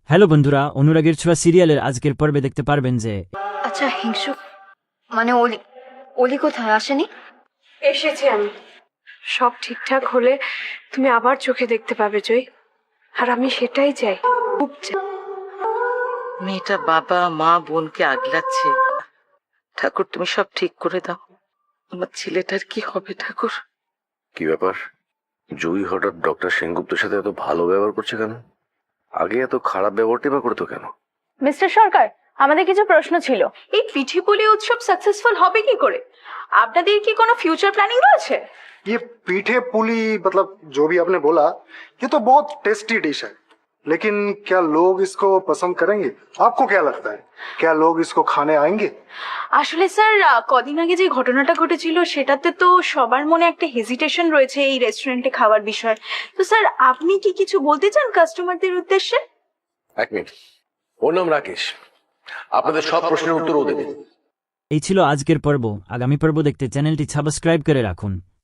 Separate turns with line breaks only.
Hello বন্ধুরা, অনুরাগের ছোঁয়া সিরিয়ালের আজকের পর্বে দেখতে পারবেন যে
আচ্ছা হিংসু মানে অলি অলি কোথায় আসেনি?
এসেছি আমি। সব ঠিকঠাক হলে তুমি আবার চোখে দেখতে পাবে জয়, আর আমি সেটাই চাই, খুব চাই।
মেয়েটা বাবা মা বোনকে আগলাচ্ছে। ঠাকুর তুমি সব ঠিক করে দাও, আমার ছেলেটার কি হবে ঠাকুর।
কি ব্যাপার, জুই হঠাৎ ডক্টর সেনগুপ্তের সাথে এত ভালো ব্যবহার করছে কেন? আগে এত খারাপ ব্যবহারটাই বা করতো কেন?
মিস্টার সরকার, আমাদের কিছু প্রশ্ন ছিল।
এই পিঠেপুলি উৎসব সাকসেসফুল হবে কি করে? আপনাদের কি কোনো ফিউচার প্ল্যানিং রয়েছে?
ये पीठे पुली मतलब जो भी आपने बोला, ये तो बहुत टेस्टी डिश है, लेकिन क्या लोग इसको पसंद करेंगे? आपको क्या लगता है, क्या लोग इसको खाने आएंगे?
আসলে স্যার, কদিন আগে যে ঘটনাটা ঘটেছিল সেটাতে তো সবার মনে একটা হেজিটেশন রয়েছে এই রেস্টুরেন্টে খাওয়ার বিষয়ে। তো স্যার, আপনি কি কিছু বলতে চান কাস্টমারদের উদ্দেশ্যে?
এক মিনিট, ওর নাম রাকেশ, আপনাদের সব প্রশ্নের উত্তর ও দেবে।
এই ছিল আজকের পর্ব। আগামী পর্ব দেখতে চ্যানেলটি সাবস্ক্রাইব করে রাখুন।